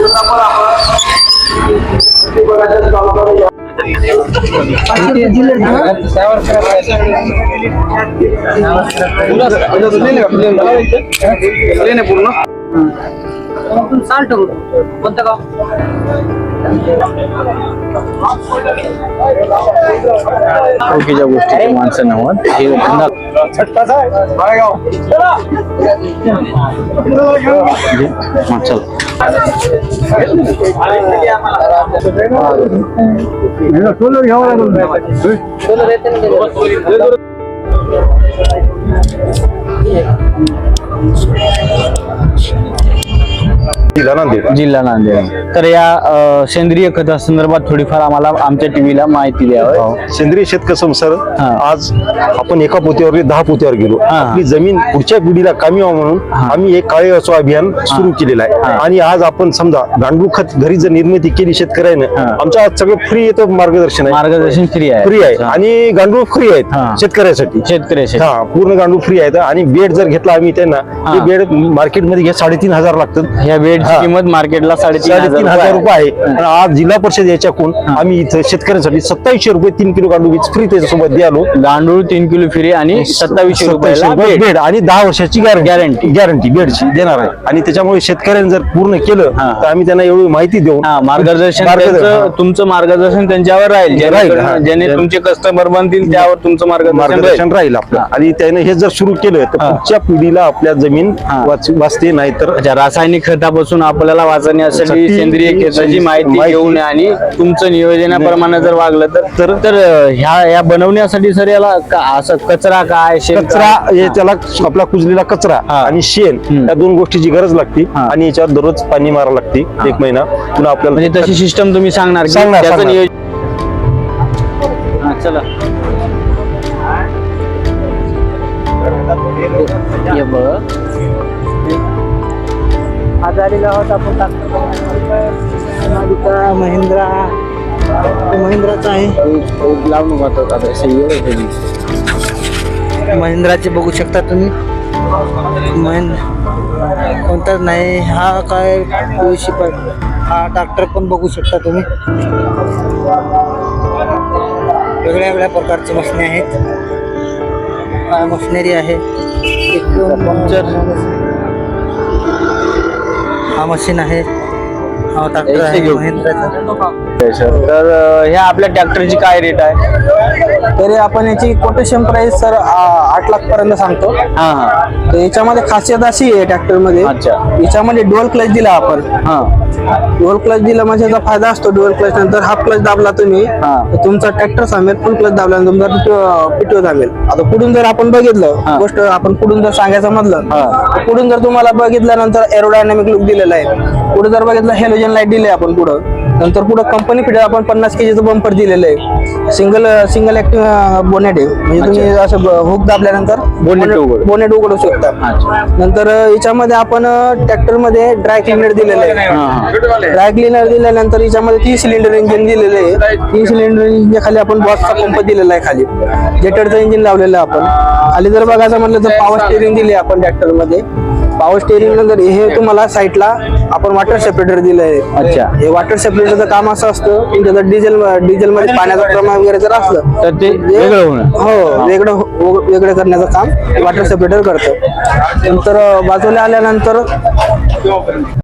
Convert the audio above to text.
कोणतं गाव? ओळखीच्या गोष्टीचे माणसं नव्हत हे जिल्हा नांदेड. तर या सेंद्रिय खता संदर्भात थोडीफार आम्हाला आमच्या टीव्हीला माहिती द्यावी. सेंद्रिय शेत संसार आज आपण एका पोत्यावर 10 पोत्यावर गेलो. आपली जमीन पुढच्या पिढीला कामी व्हावं म्हणून आम्ही एक काळे असो अभियान सुरू केलेलं आहे. आणि आज आपण समजा गांडूळ खत घरी जर निर्मिती केली शेतकऱ्याने, आमच्या आज सगळं फ्री येतं मार्गदर्शन आहे. मार्गदर्शन फ्री आहे आणि गांडूळ फ्री आहेत शेतकऱ्यासाठी. पूर्ण गांडूळ फ्री आहेत. आणि बेड जर घेतला आम्ही त्यांना, ते बेड मार्केटमध्ये घ्या 3,500 लागतात. ह्या बेडची किंमत मार्केटला 3,500 रुपये आहे. आणि आज जिल्हा परिषद याच्याकडून आम्ही इथं शेतकऱ्यांसाठी 2700 रुपये 3 किलो गांडूळ बीज फ्री त्याच्यासोबत द्यालो. गांडूळ 3 किलो फ्री आणि 2700 रुपये बेड आणि 10 वर्षाची गॅरंटी बेडची देणार आहे. आणि त्याच्यामुळे शेतकऱ्यांनी जर पूर्ण केलं तर आम्ही त्यांना एवढी माहिती देऊ. मार्गदर्शन तुमचं मार्गदर्शन त्यांच्यावर राहील. ज्याने तुमचे कस्टमर बनतील त्यावर तुमचं मार्गदर्शन राहील आपलं. आणि त्याने हे जर सुरू केलं तर पुढच्या पिढीला आपल्या जमीन वाचते. नाही तर रासायनिक खतापासून आपल्याला वाचण्यासाठी सेंद्रिय खताची माहिती घेऊन आणि तुमचं नियोजनाप्रमाणे जर वागलं तर ह्या बनवण्यासाठी सर याला असं कचरा काय कचरा त्याला आपला कुजलेला कचरा आणि शेण या 2 गोष्टीची गरज लागते. आणि याच्यावर दररोज पाणी मारावं लागते 1 महिना. पुन्हा आपल्याला म्हणजे तशी सिस्टम तुम्ही सांगणार. चला आज आलेला आहोत आपण महिंद्राचा आहे. महिंद्राचे बघू शकता तुम्ही. कोणताच नाही हा काय हा ट्रॅक्टर पण बघू शकता तुम्ही. वेगळ्या वेगळ्या प्रकारचे मशनरी आहेत. मशनरी आहे. हा मशीन आहे. हा ट्रॅक्टर आहे महिंद्राचा. तर ह्या आपल्या ट्रॅक्टरची काय रेट आहे? तरी आपण याची कोटेशन प्राइस सर 8 लाख पर्यंत सांगतो. तर याच्यामध्ये खासियत अशी आहे ट्रॅक्टर मध्ये, याच्यामध्ये डुअल क्लच दिला आपण. डुअल क्लच दिला म्हणजे याचा फायदा असतो. डुअल क्लच नंतर हाफ क्लच दाबला तुम्ही तर तुमचा ट्रॅक्टर थांबेल. फुल क्लच दाबला तुमचा पिटो थांबेल. आता पुढून जर आपण बघितलं गोष्ट आपण पुढून जर सांगायचं म्हटलं तर पुढून जर तुम्हाला बघितल्यानंतर एरोडायनामिक लुक दिलेला आहे. पुढे जर बघितलं हेलोजन लाईट दिले आपण पुढं. नंतर पुढे कंपनी फिटेड आपण 50 kgचं बंपर दिलेलं आहे. सिंगल ऍक्टिव्ह बोनेट आहे. म्हणजे तुम्ही असं हुक दाबल्यानंतर बोनेट उघडू शकता. नंतर याच्यामध्ये आपण ट्रॅक्टर मध्ये ड्राय क्लिनर दिलेलं आहे. ड्राय क्लिनर दिल्यानंतर याच्यामध्ये 3 सिलेंडर इंजिन दिलेलं आहे. 3 सिलेंडर इंजिन खाली आपण बॉक्सचा पंप दिलेला आहे. खाली जेटरचं इंजिन लावलेलं आहे आपण. खाली जर बघायचं म्हटलं तर पॉवर स्टेअरिंग दिली आपण ट्रॅक्टर मध्ये. पॉवर स्टेअरिंग नंतर हे तुम्हाला साईडला आपण वॉटर सेपरेटर दिलं आहे. हे वॉटर सेपरेटरचं काम असं असतं की जर डिझेल मध्ये पाण्याचं प्रमाण वगैरे जर असलं तर ते वेगळं करण्याचं काम वॉटर सेपरेटर करतं. नंतर बाजूला आल्यानंतर